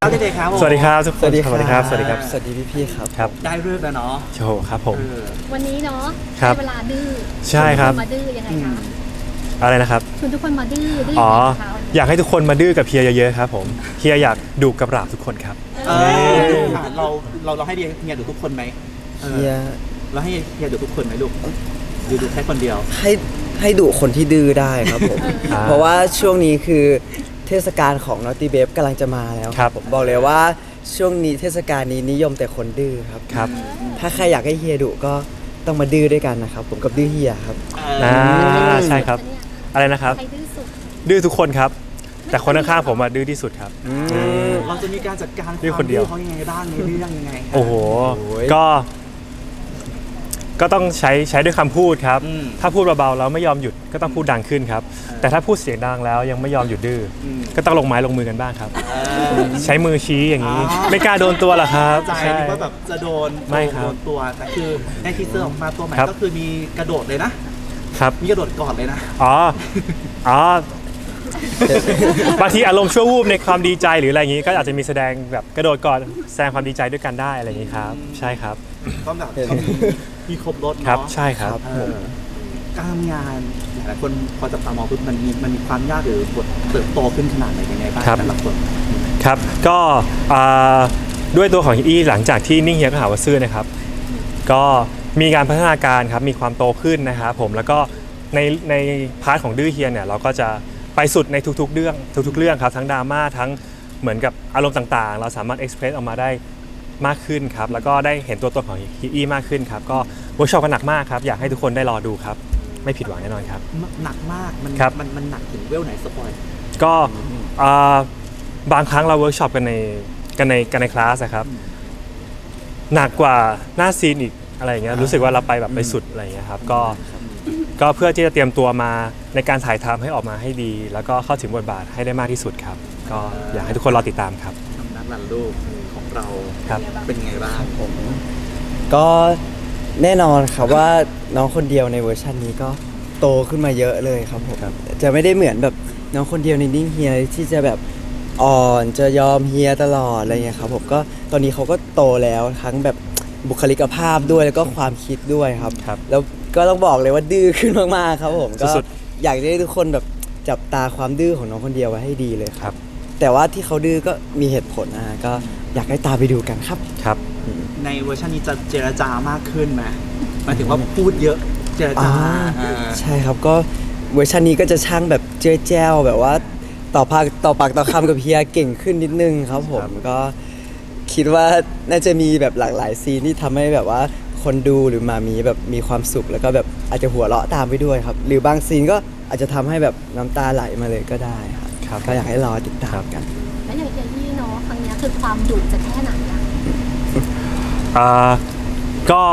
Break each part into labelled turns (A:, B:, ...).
A: ครับเด็กๆครับ
B: สวัสดีครับทุกคน
C: สวัสดีครับ
B: สวัสดีครับสวัสดีครับ
C: สวัสดีพี่ๆครับ
B: ครับ
A: ได้เรื่องแล้วเนาะ
B: โชว์ครับผม
D: วันนี้เนาะ
B: ครับ
D: ได้เวลาดื้อ
B: ใช่ครับ
D: ชวนทุกนมาดื้อยังไงคะ
B: อะไรนะครับ
D: ชวนทุกคนมาดื้อดื้อ
B: อ๋อ
D: ยังไงคะวันนี้
B: อยากให้ทุกคนมาดื้อกับเฮียเยอะๆครับผมเฮียอยากดุกับราบทุกคนครับ
A: เราให้เฮียดูทุกคนไหม
C: เฮีย
A: เราให้เฮียดูทุกคนไหมลูกดูแค่คนเดียว
C: ให้ดุคนที่ดื้อได้ครับผม
B: อ่า
C: เพราะว่าช่วงนี้คือเทศกาลของ Naughty Babe กำลังจะมาแล้ว
B: ครับ
C: ผมบอกเลยว่าช่วงนี้เทศกาลนี้นิยมแต่คนดื้อครับ
B: ครับ
C: ถ้าใครอยากให้เฮียดุก็ต้องมาดื้อด้วยกันนะครับผมกับดื้อเฮียครับ
B: ใช่ครับ
D: เนี่ย
B: อะไรนะครับ
D: ใครดื้อสุด
B: ดื้อทุกคนครับ แต่คนข้างๆผมอะดื้อที่สุดครับ
A: เราจะมีการจัดการ
B: ดื้อคนเดียว
A: เขายังไงบ้างในเรื่องยังไงครับ
B: โอ้โห
C: โอ้ย
B: ก็ต้องใช้ด้วยคำพูดครับ
A: อืม
B: ถ้าพูดเบาๆแล้วไม่ยอมหยุดก็ต้องพูดดังขึ้นครับ แต่ถ้าพูดเสียงดังแล้วยังไม่ยอมหยุดดื้ออ
A: ม
B: ก็ต้องลงไม้ลงมือกันบ้างครับ
A: เออ
B: ใช้มือชี้อย่างนี้
A: อ๋อ
B: ไม่กล้าโดนตัวหรอครับ
A: ใจ
B: ใช่
A: นึกว่าแบบจะโดน
B: ไม่ครับ
A: โดนตัวแต่คือในทีเซอร์ออกมาตัวใหม่
B: ครับ
A: ก็คือมีกระโดดเลยนะ
B: ครับ
A: มีกระโดดก่อนเลยนะ
B: อ๋อ อ๋อ บางทีอารมณ์ชั่ววูบในความดีใจหรืออะไรอย่างนี้ ก็อาจจะมีแสดงแบบกระโดดก่อนแสดงความดีใจด้วยกันได้อะไรอย่างนี้ครับ ใช่ครับ
A: ก็แบบมีครบรถ
B: ครับ
A: เนาะ
B: ใช่ครับ
A: เออการทำงานหลายคนพอจับตามองปุ๊บมันมีความยากหรือบทเติบโตขึ้นขนาดไหนยังไงบ้าง
B: ครับ
A: แต่ละคน
B: ครับ ก็ด้วยตัวของอี้หลังจากที่นิ่งเฮียก็หาว่าซื่อนะครับ ก็มีการพัฒนาการครับ มีความโตขึ้นนะครับผม แล้วก็ในพาร์ทของดื้อเฮียเนี่ยเราก็จะไปสุดในทุกๆเรื่องครับ ทั้งดราม่าทั้งเหมือนกับอารมณ์ต่างๆ เราสามารถเอ็กซ์เพรสออกมาได้มากขึ้นครับ แล้วก็ได้เห็นตัวตนของฮีอี้มากขึ้นครับ ก็เวิร์กช็อปกันหนักมากครับ อยากให้ทุกคนได้รอดูครับ ไม่ผิดหวังแน่นอนครับ
A: หนักมากมัน
B: ครับ
A: มันหนักถึงเวลไหนสปอย
B: ก็บางครั้งเราเวิร์กช็อปกันในคลาสนะครับ หนักกว่าหน้าซีนอีกอะไรอย่างเงี้ยรู้สึกว่าเราไปแบบไปสุดอะไรอย่างเงี้ยครับก็เพื่อที่จะเตรียมตัวมาในการถ่ายทำให้ออกมาให้ดี แล้วก็เข้าถึงบทบาทให้ได้มากที่สุดครับ ก็อยากให้ทุกคนรอติดตามครับ
A: นักรันลูกของเรา
B: ครับ
A: เป็นยังไงบ้าง
C: ผมก็แน่นอนครับว่าน้องคนเดียวในเวอร์ชันนี้ก็โตขึ้นมาเยอะเลยครับผม
B: ครับ
C: จะไม่ได้เหมือนแบบน้องคนเดียวในนิ่งเฮียที่จะแบบอ่อนจะยอมเฮียตลอดอะไรเงี้ยครับผมก็ตอนนี้เขาก็โตแล้วทั้งแบบบุคลิกภาพด้วยแล้วก็ความคิดด้วยครับ
B: ครับ
C: แล้วก็ต้องบอกเลยว่าดื้อขึ้นมากๆครับผมก็
B: สุด
C: อยากให้ทุกคนแบบจับตาความดื้อของน้องคนเดียวไว้ให้ดีเลยค
B: ครั
C: รับ แต่ว่าที่เขาดื้อก็มีเหตุผลนะก็อยากให้ตามไปดูกันครับ
B: ครับ
A: ในเวอร์ชันนี้จะเจรจามากขึ้นไหมหมายถึงว่าพูดเยอะเจรจาอ่า
C: ใช่ครับก็เวอร์ชันนี้ก็จะช่างแบบเจ้ยแจ้วแบบว่าต่อปากต่อคำกับเฮียเก่งขึ้นนิดนึงครับผมก็คิดว่าน่าจะมีแบบหลากหลายซีนที่ทำให้แบบว่าคนดูหรือมามีแบบมีความสุขแล้วก็แบบอาจจะหัวเราะตามไปด้วยครับ หรือบางซีนก็อาจจะทำให้แบบน้ำตาไหลมาเลยก็ได้ครับ
B: ครับ
C: ก็อยากให้รอติดตามกัน
D: แล้วอย่างเฮียยี่เนาะครั้งเนี้ยคือความดุจะแค่ไหนอะ
B: ก็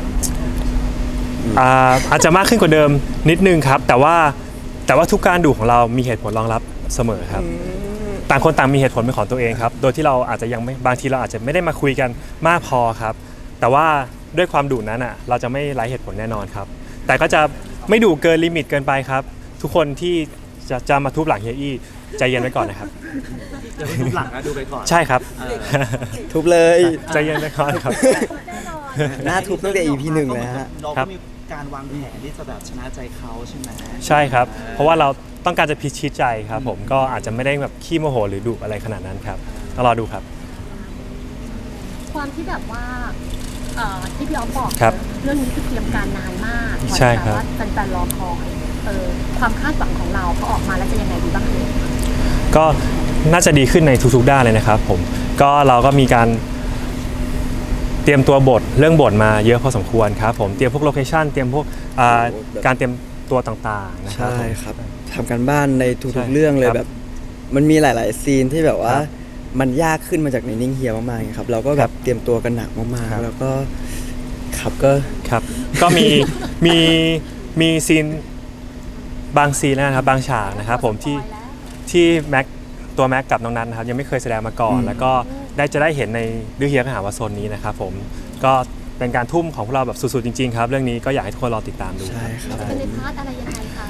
B: อาจจะมากขึ้นกว่าเดิมนิดนึงครับ แต่ว่าทุกการดูของเรามีเหตุผลรองรับเสมอครับ ต่างคนต่างมีเหตุผลเป็นของตัวเองครับ โดยที่เราอาจจะยังไม่บางทีเราอาจจะไม่ได้มาคุยกันมากพอครับ แต่ว่าด้วยความดุนั้นอ่ะเราจะไม่ไร้เหตุผลแน่นอนครับ แต่ก็จะไม่ดุเกินลิมิตเกินไปครับ ทุกคนที่จะมาทุบหลังเฮียอี้ใจเย็นไว้ก่อนนะครับ
A: เดี๋ยวไปดูหลังนะดูไปก่อน
B: ใช่ครับ
A: เออ
C: ทุบเลย
B: ใจเย็นไว้ก่อนครับ
D: แน่นอน
C: หน้าทุบตั้งแต่ EP หนึ่งเลยฮะ
A: เรา
B: ครั
A: ก็
B: บ
A: มีการวางแผนที่จะแบบชนะใจเขาใช่ไหม
B: ใช่ครับ เพราะว่าเราต้องการจะพิชิตใจครับผมก็อาจจะไม่ได้แบบขี้โมโหหรือดุอะไรขนาดนั้นครับต้องรอดูครับ
D: ความที่แบบว่าที่พี่อ๊อฟบอก
B: ครับ
D: เรื่องนี้คือเตรียมการนานมากกว่า
B: ใช่ครับ
D: ว่าแฟนๆรอคอยความคาดหวังของเราพอออกมาแล้วจะยังไงดีบ้างเลย
B: ก็น่าจะดีขึ้นในทุกๆด้านเลยนะครับผมก็เราก็มีการเตรียมตัวบทเรื่องบทมาเยอะพอสมควรครับผมเตรียมพวกโลเคชั่นเตรียมพวกการเตรียมตัวต่างๆนะครับ
C: ใช่ครับทำกันบ้านใน
B: ใช่
C: ทุกๆเรื่องเลย
B: ครับ
C: แบบ มันมีหลายๆซีนที่แบบว่า
B: ครับ
C: มันยากขึ้นมาจากในนิ่งเฮียมากๆครับเราก็แบบเตรียมตัวกันหนักมาก
B: ครับ
C: ๆแล้วก็ครับก็
B: ครับก็มีซีนบางซีนนะครับบางฉากนะครับผมที่แม็กตัวแม็กกับน้องนัทนะครับยังไม่เคยแสดงมาก่อน แล้วก็จะได้เห็นในดื้อเฮียก็หาว่าโซนนี้นะครับผมก็เป็นการทุ่มของพวกเราแบบสุดๆจริงๆครับเรื่องนี้ก็อยากให้ทุกคนรอติดตามดู
C: ใช่ครับ
D: เป็นในพาร์ทอะไรยังไงคะ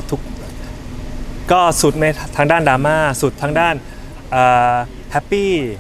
B: ก็สุดในทางด้านดราม่าสุดทางด้านแฮปปี้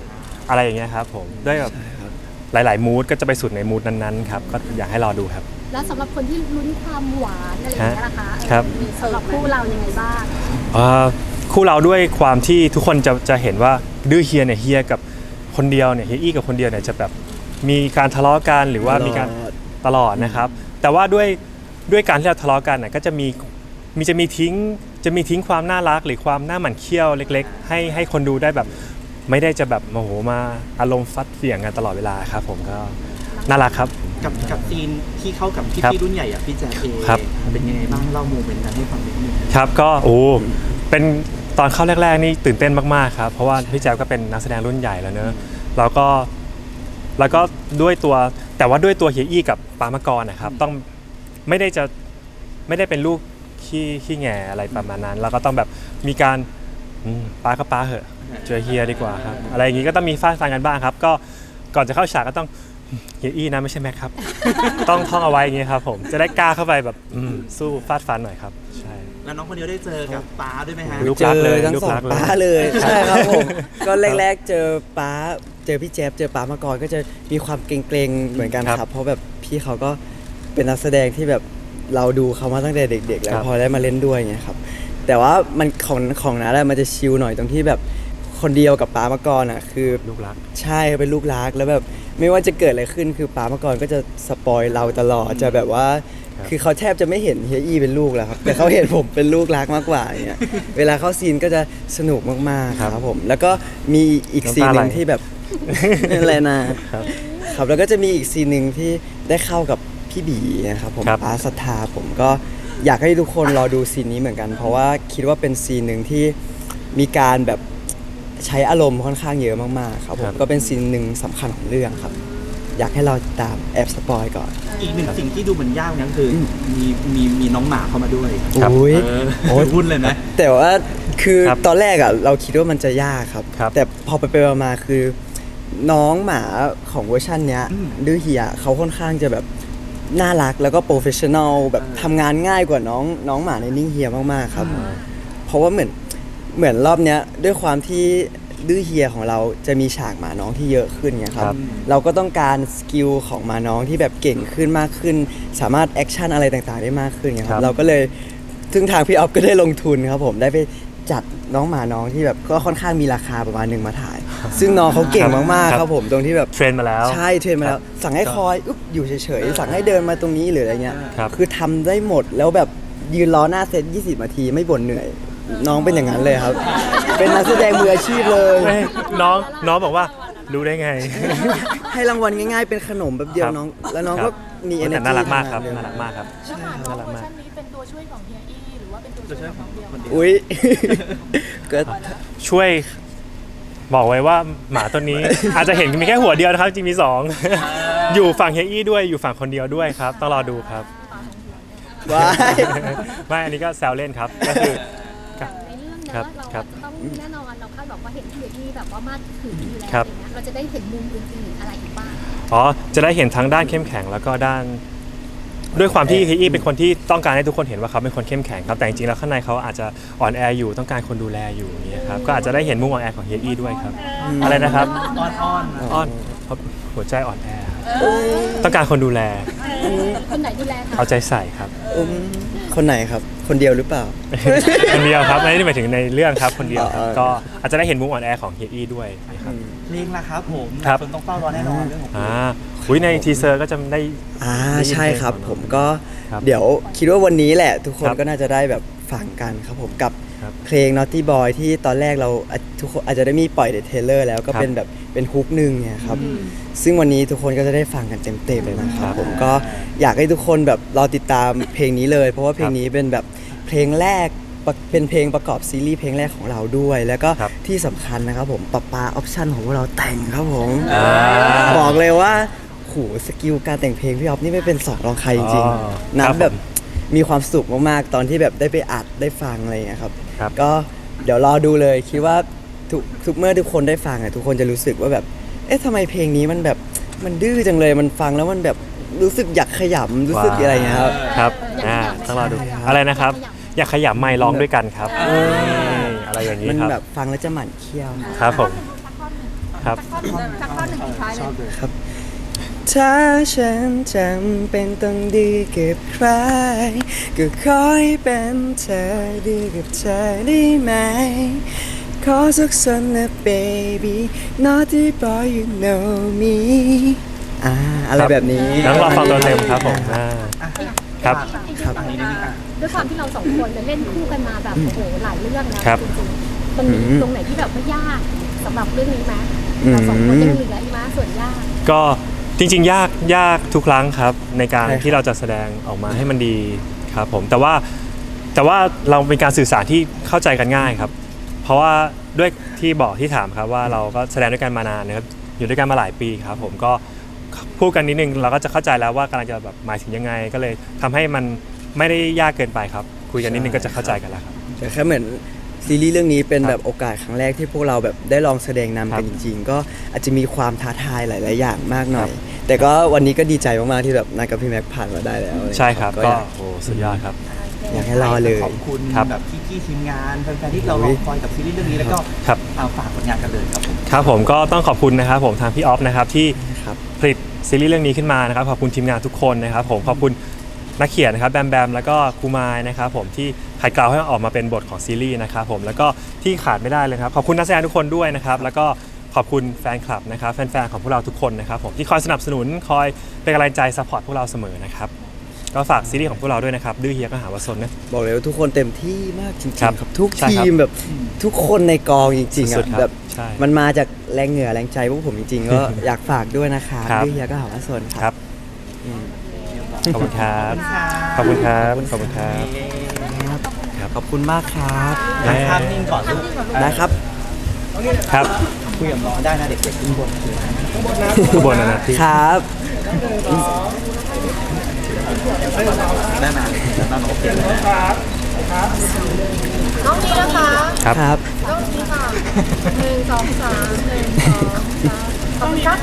B: อะไรอย่างเงี้ยครับผมด้วยแบบหลายๆมูดก็จะไปสุดในมูดนั้นๆครับก็อยากให้รอดูครับ
D: แล้วสำหรับคนที่ลุ้นความหวานอะไรอย่างเงี้ยนะคะ
B: ครับ
D: มีสำหรับคู่เรายังไงบ้าง
B: คู่เราด้วยความที่ทุกคนจะเห็นว่าดื้อเฮียเนี่ยเฮียกับคนเดียวเนี่ยเฮียอี้กับคนเดียวเนี่ยจะแบบมีการทะเลาะกันหรือว่ามีการตลอดนะครับ แต่ว่าด้วยการที่เราทะเลาะกันน่ะก็จะมีทิ้งความน่ารักหรือความน่าหมั่นเคี้ยวเล็กๆให้คนดูได้แบบไม่ได้จะแบบโมโหมาอารมณ์ฟัดเสี่ยงกันตลอดเวลาครับผมก็น่ารักครับ
A: กับซีนที่เข้ากับ
B: ครับ
A: พี่รุ่นใหญ่อะพี่แจ๊คเอง
B: ครับ
A: เป็นยังไงบ้างเล่าโมเมนต์นั้นให้ฟังนิดนึง
B: ครับก็เป็นตอนเข้าแรกๆนี่ตื่นเต้นมากๆครับเพราะว่าพี่แจ๊บก็เป็นนักแสดงรุ่นใหญ่แล้วเนอะแล้วก็ด้วยตัวเฮียอี้กับปามะกรนะครับต้องไม่ได้เป็นลูกขี้แง่อะไรประมาณนั้นแล้วก็ต้องแบบมีการป้าก็ป้าเหอะเจอเฮียดีกว่าครับอะไรอย่างงี้ก็ต้องมีฟาดฟันกันบ้างครับก็ก่อนจะเข้าฉากก็ต้องเฮียอี้นะไม่ใช่แม็กครับ ต้องท่องเอาไว้อย่างงี้ครับผมจะได้กล้าเข้าไปแบบสู้ฟาดฟันหน่อยครับใช่
A: แล้วน้องคนเดียวได้เจอกับป้าด้วยไหมฮะ
B: ลูก
C: เจ
B: รัก
C: อ
B: เลย
C: ทั้ง
B: ลูก
C: สอง
B: รักเลย
C: ป้าเลยใช่ครับผมก็แรกๆเจอป้าเจอพี่แจ๊บเจอป้ามาก่อนก็จะมีความเกรงๆเหมือนกัน
B: ครับ
C: ครับเพราะแบบพี่เขาก็เป็นนักแสดงที่แบบเราดูเขามาตั้งแต่เด็ก ๆ แล้ว
B: ครับ
C: พอได้มาเล่นด้วยเงี้ยครับแต่ว่ามันของนั้นอะมันจะชิลหน่อยตรงที่แบบคนเดียวกับป้ามาก่อนอ่ะคือ
B: ลูกรัก
C: ใช่เป็นลูกรักแล้วแบบไม่ว่าจะเกิดอะไรขึ้นคือป้ามาก่อนก็จะสปอยเราตลอดจะแบบว่า
B: ครับ
C: คือเขาแทบจะไม่เห็นเฮียอี้เป็นลูกแล้วครับ แต่เขาเห็นผมเป็นลูกรักมากกว่าอย่างเงี้ยเวลาเข้าซีนก็จะสนุกมากๆครับผมแล้วก็มีอีกซีนหนึ่งที่แบบ อะไรนะครับครับแล้วก็จะมีอีกซีนหนึ่งที่ได้เข้ากับพี่บีนะครับผม
B: ครับ
C: ป้าศรัทธาผมก็อยากให้ทุกคนรอดูซีนนี้เหมือนกัน เพราะว่าคิดว่าเป็นซีนหนึ่งที่มีการแบบใช้อารมณ์ค่อนข้างเยอะมากๆครับผ
B: ครั
C: ม
B: บ
C: ก็เป็นซีนหนึ่งสำคัญของเรื่องครับ อยากให้เราตามแอบสปอยก่อน
A: อีกหนึ่งสิ่งที่ดูเหมือนยากนั่นคือมีน้องหมาเข้ามาด้วย
B: ครับ
C: อุ้ย
A: โอ้ยพูดเลยนะ
C: แต่ว่าคือ
B: ครับ
C: ตอนแรกอ่ะเราคิดว่ามันจะยากครับ
B: ครับ
C: แต่พอไปมาๆคือน้องหมาของเวอร์ชันเนี้ย
A: อืม
C: ดื้อเฮียเขาค่อนข้างจะแบบน่ารักแล้วก็โปรเฟชชั่นอลแบบทำงานง่ายกว่าน้องหมาในนิ่งเฮียมากๆครับ เพราะว่าเหมือนรอบเนี้ยด้วยความที่ดื้อเฮียของเราจะมีฉากหมาน้องที่เยอะขึ้นไงครับ
B: ครับ
C: เราก็ต้องการสกิลของหมาน้องที่แบบเก่งขึ้นมากขึ้น สามารถแอคชั่นอะไรต่างๆได้มากขึ้นไงค
B: ครั
C: รับบ เราก็เลยซึ่งทางพี่ออฟก็ได้ลงทุนครับผมได้ไปจัดน้องหมาน้องที่แบบก็ค่อนข้างมีราคาประมาณหนึ่งมาถ่าย ซึ่งน้องเขาเก่งมากๆครับผมตรงที่แบบ
B: เทรนมาแล้ว
C: ใช่เทรนมาแล้วสั่งให้คอยอุ๊บอยู่เฉยๆสั่งให้เดินมาตรงนี้หรืออะไรเงี้ย
B: ครับ
C: คือทำได้หมดแล้วแบบยืนรอหน้าเซต20 นาทีไม่บ่นเหนื่อย น้องเป็นอย่างนั้นเลยครับ เป็นนักแสดงมืออาชีพเลย
B: เอ้ยน้องบอกว่ารู้ได้ไง
C: ให้รางวัลง่ายๆเป็นขนมแบบเดียว
B: ครับ
C: น้องแล้วน้อง
B: ครั
C: ก็
B: บ
C: มี
B: แต่
C: energy
B: น่ารักมากครับ
C: ทำง
B: น่ารักมากครับ
E: แล้วหมาน้
B: น่า
E: อง
B: รัก
E: เวอ
B: มาก
E: ร์ชันนี้เป็นตัวช่วยของเฮียอี้หรือว่าเป็นตัวช่วยของน้องเดียว
A: คนเดียว
C: อุ้ย ก็
B: ช่วยบอกไว้ว่าหมาตัวนี้ อาจจะเห็นมีแค่หัวเดียวนะครับจริงมีสอง อยู่ฝั่งเฮียอี้ด้วยอยู่ฝั่งคนเดียวด้วยครับต้องรอดูครับ
C: ว้าย
B: ไม่อันนี้ก็แซวเล่นครับก็คือ
D: ในเรื่อง
B: ครั
D: เนี้
B: บ
D: เรา
B: ครับ
D: จะต้องแน่นอนเราคาดหวังว่าเห็นเฮียอี้แบบว่ามาถึงอยู่แล้ว
B: ครับ
D: อย่างเงี้ยเราจะได้เห็นมุมอื่นๆอะไรอีกบ้าง
B: อ๋อจะได้เห็นทั้งด้านเข้มแข็งแล้วก็ด้าน ด้วยความที่เฮียอี้เป็นคนที่ต้องการให้ทุกคนเห็นว่าเขาเป็นคนเข้มแข็งครับแต่จริงๆแล้วข้างในเขาอาจจะอ่อนแออยู่ต้องการคนดูแลอยู่อย่างเงี้ยครับก็อาจจะได้เห็นมุมอ่อนแอของเฮียอี้ด้วยครับ อะไรนะครับ
A: อ้อน
B: อ้อนเพราะหัวใจอ่อนแอต้องการคนดูแล
D: คนไหนดูแลคะ
B: เอาใจใส่ครับ
C: คนไหนครับ คนเดียวหรือเปล่า
B: คนเดียวครับไม่ได้หมายถึงในเรื่องครับคนเดียวครับ
C: อ๋อ
B: ก็อาจจะได้เห็นมุมอ่อนแอของเฮียอี้ด้วยนะครับ
A: เพลงล่ะครับผม
B: ครับ
A: คนต้องเฝ้ารอแน่นอนเรื่องของเพลง
B: อุ้ยในทีเซอร์ก็จะได้ ได้ยิน
C: ใช่ครับ
B: เพลง
C: ผมก็
B: ครับ
C: เดี๋ยวคิดว่าวันนี้แหละ ทุกคน
B: ครับ
C: ก็น่าจะได้แบบฟังกันครับผมกับ
B: ครับ
C: เพลง Naughty Boy ที่ตอนแรกเราทุกคนอาจจะได้มีปล่อยในเทรลเลอร์แล้วก็
B: ครับ
C: เป็นแบบเป็นฮุกหนึ่งเนี่ยครับซึ่งวันนี้ทุกคนก็จะได้ฟังกันเต็มๆเลยนะครับผมก็อยากให้ทุกคนแบบรอติดตามเพลงนี้เลย เพราะว่าเพลงนี้เป็นแบบเพลงแรกเป็นเพลงประกอบซีรีส์เพลงแรกของเราด้วย แล้วก็
B: ครับ
C: ที่สำคัญนะครับผมปะปาออปชั่นของพวกเราแต่งครับผม
B: อ่า
C: บอกเลยว่าโหสกิลการแต่งเพลงพี่ออฟนี่ไม่เป็นสองรองใครจริง
B: อ๋อ
C: ๆ
B: ครับ
C: น้ำแบบ
B: ผม
C: มีความสุขมากๆ ตอนที่แบบได้ไปอัดได้ฟังอะไรอย่างเงี้ยครับ
B: ครับ
C: ก็เดี๋ยวรอดูเลยคิดว่าทุกเมื่อทุกคนได้ฟังอ่ะทุกคนจะรู้สึกว่าแบบ เอ๊ะทำไมเพลงนี้มันแบบมันดื้อจังเลยมันฟังแล้วมันแบบรู้สึกอยากขยำรู้สึกอะไรอย่างเงี้ยครับ
B: ครับ
D: อยากขยับ
B: ต้องรอดู
C: อยากขยับ
B: อะไรนะครับ อยากขยับไมค์ร้องด้วยกันครับอะไรอย่างนี้
C: มัน
B: ครับ
C: แบบฟังแล้วจะหมั่นเคี้ยว
B: ครับผมคครับ
E: สักข้อหนึ่งสุดท้ายเลย
C: ถ้าฉันจำเป็นต้องดีกับใคร ก็ขอให้เป็นเธอดีกับเธอได้ไหม ขอสักสันนะ baby naughty boy you know me อะไรแบบนี้
B: แล้วรอฟังตัวเต็มครับผมครับ
C: ครับ
A: อันนี้นิดนึงอ่ะ
D: ด้วยความที่เราสองคนเนี่ยเล่นคู่กันมาแบบโอ้โหหลายเรื่องแล้ว
B: ครับ
D: จริงๆมันมีตรงไหนที่แบบว่ายากสำหรับเรื่องนี้ไหม
C: อืม
D: เราสองคนยังเหลืออีกไหมส่วนยาก
B: ก็จริงๆยากทุกครั้งครับในการ
C: ใช่ครับ
B: ที่เราจะแสดงออกมาให้มันดีครับผมแต่ว่าเราเป็นการสื่อสารที่เข้าใจกันง่ายครับ เพราะว่าด้วยที่ถามครับว่าเราก็แสดงด้วยกันมานานนะครับอยู่ด้วยกันมาหลายปีครับผมก็พูดกันนิดนึงเราก็จะเข้าใจแล้วว่ากำลังจะแบบหมายถึงยังไง ก็เลยทำให้มันไม่ได้ยากเกินไปครับ คุยกันนิดนึงก็จะเข้าใจกันแล้วครับ
C: แต่แค่เหมือนซีรีส์เรื่องนี้เป็นแบบโอกาสครั้งแรกที่พวกเราแบบได้ลองแสดงนำกันจริงๆ ก็อาจจะมีความท้าทายหลายๆอย่างมากหน่อย แต่ก็วันนี้ก็ดีใจมากๆที่แบบนายกับพี่แม็กผ่านมาได้แล้ว
B: ใช่ครับ
C: ก็
B: ก็
C: อยาก
B: โอ้สุดยอดครับ
C: อยากให้รอเลย
A: ขอบคุณ
B: ครับ
A: แบบพี่ๆทีมงานแฟนๆที่เรารอคอยกับซีรีส์เรื่องนี้แล้วก็
B: ครับ
A: เอาฝากผลงานกันเลยครับผม
B: ครับผมก็ต้องขอบคุณนะครับผมทางพี่ออฟนะครับที่
C: ครับ
B: ผลิตซีรีส์เรื่องนี้ขึ้นมานะครับขอบคุณทีมงานทุกคนนะครับผมขอบคุณนักเขียนนะครับแบมแบมแล้วก็ครูมายนะครับผมที่ขัดเกลาให้ออกมาเป็นบทของซีรีส์นะครับผมแล้วก็ที่ขาดไม่ได้เลยครับขอบคุณนักแสดงทุกคนด้วยนะครับแล้วก็ขอบคุณแฟนคลับนะครับแฟนๆของพวกเราทุกคนนะครับผมที่คอยสนับสนุนคอยเป็นกำลังใจซัพพอร์ตพวกเราเสมอนะครับก็ฝากซีรีส์ของพวกเราด้วยนะครับดื้อเฮียก็หาว่าซนนะ
C: บอกเลยว่าทุกคนเต็มที่มากจริงๆ
B: ครับ
C: ครับทุก
B: ใช่ครับ
C: ทีมแบบทุกคนในกองจริงๆ
B: สุ
C: อ่ะ
B: ดๆครับ
C: แบบ
B: ใช่
C: มันมาจากแรงเหงื่อแรงใจพวกผมจริงๆ ก็อยากฝากด้วยนะคะ
B: ครับ
C: พี่เฮียก็หาว่าสน
B: ค
C: ค
B: รั
C: รั
B: บบ ขอบคุณครับขอบคุณครับขอบคุณครับ
C: ขอบคุณมากครับ
A: ถ่ายภาพนิ่งก่อนลูก
C: ได้ครับ
B: ครับ
A: คุยกับน้องได้นะเด็กๆขึ้นบนคือ
B: คือบนนะที่
C: ครับ
A: ได้ไหมได้ไหมโอเคเลยนะ
E: น้องนี้นะคะ
B: ครับ
C: ครับ
E: น้องนี้ค่ะ1 2 3 1 2 3ขอบคุณครับ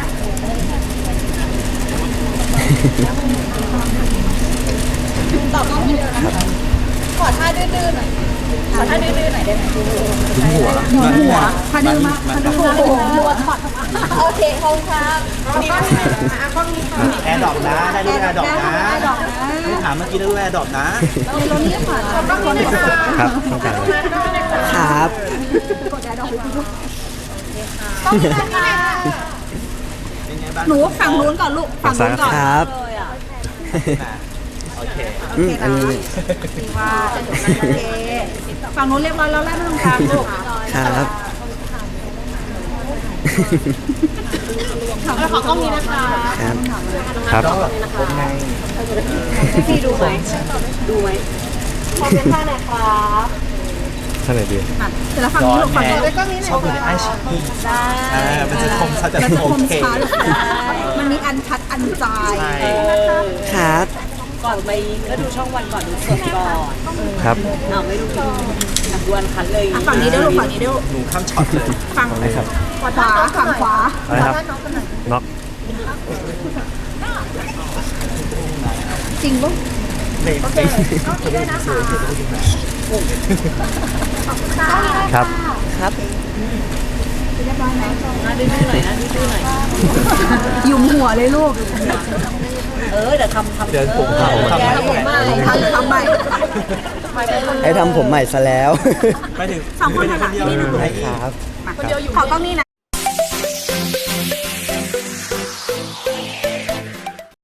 E: ตอบน้องนี้เลยนะคะขอท่าดื้อๆหน่อยขอท่าดื้อๆหน่อยได้ไหม
A: หัว
E: ท่าดื้อมากท่าดื้อโอ้โหรัวถอดโอเคขอบคุณครับกล้องนี้ค่ะ
A: แอร์ดรอปนะได้ด้วยแอร์ดรอปนะไม่ถามเมื่อกี้ได้ด้วยแอร์ดรอปนะ
E: เรานี้ค่ะกล้องนี้นะคะ
B: ครับต้องการเลย
C: ครับ
E: ต้องมีค่ะ
A: เป็นไงบ้าง
E: หนูฝั่งนู้นก่อนลูกฝั่งนู้นก่อน
C: ครับ
E: เลยอ่ะ
A: โอเค
C: อันนี้
E: ว่าโอเคฝั่งนู้นเรียบร้อยแล้วแล้วตรงกลางลูก
C: ครับ
E: แล้วขอกล้องนี้นะคะ
C: ครับ
B: ครับ
A: ก็เป็นไง
E: พี่ดูไหมดูไหมขอเป็นท่าไหนครับ
B: ท่านไหนดี
E: แต่ละฝั่งนี้ลูกฝั่งนี้กล้องนี้หน่อย
A: ชอบดูในไอชี
E: ได้
A: มันจะคมชัดจะ
E: มันจะ
A: โอ
E: คม
A: เค
E: ชัดมันมีอันชัดอันใจ
A: ใช่
C: ครับ
F: ก่อนไปก็ดูช่องวันก่อนดูสดก่อน
B: ครับ
F: อ้าวไม่ดูดูอันคันเลย
E: ฝั่งนี้ด้วยลูกฝั่งนี้ด้วย
A: หนูข้ามช็อตเลย
E: ฝั่ง
B: อะไรครับ
E: ขวาฝั่งขวา
B: อะไรครับน็อก
E: จริงปะ
A: โอเค
B: ครับ
C: ครับ
F: นะดื้อๆหน่อยนะดื้อๆหน่อย
E: หยุมหัวเลยลูก
F: เดี๋ยวทำ
A: เดินผมเขาทำ
E: แก
A: ไม
E: ผมใหม่ทำใหม่
C: ให้ทำผมใหม่ซะแล้ว
A: ไม่ถึง
E: สองคนถนัด
A: เดียว
C: ได้ครับ
E: ขอกล้องนี้นะ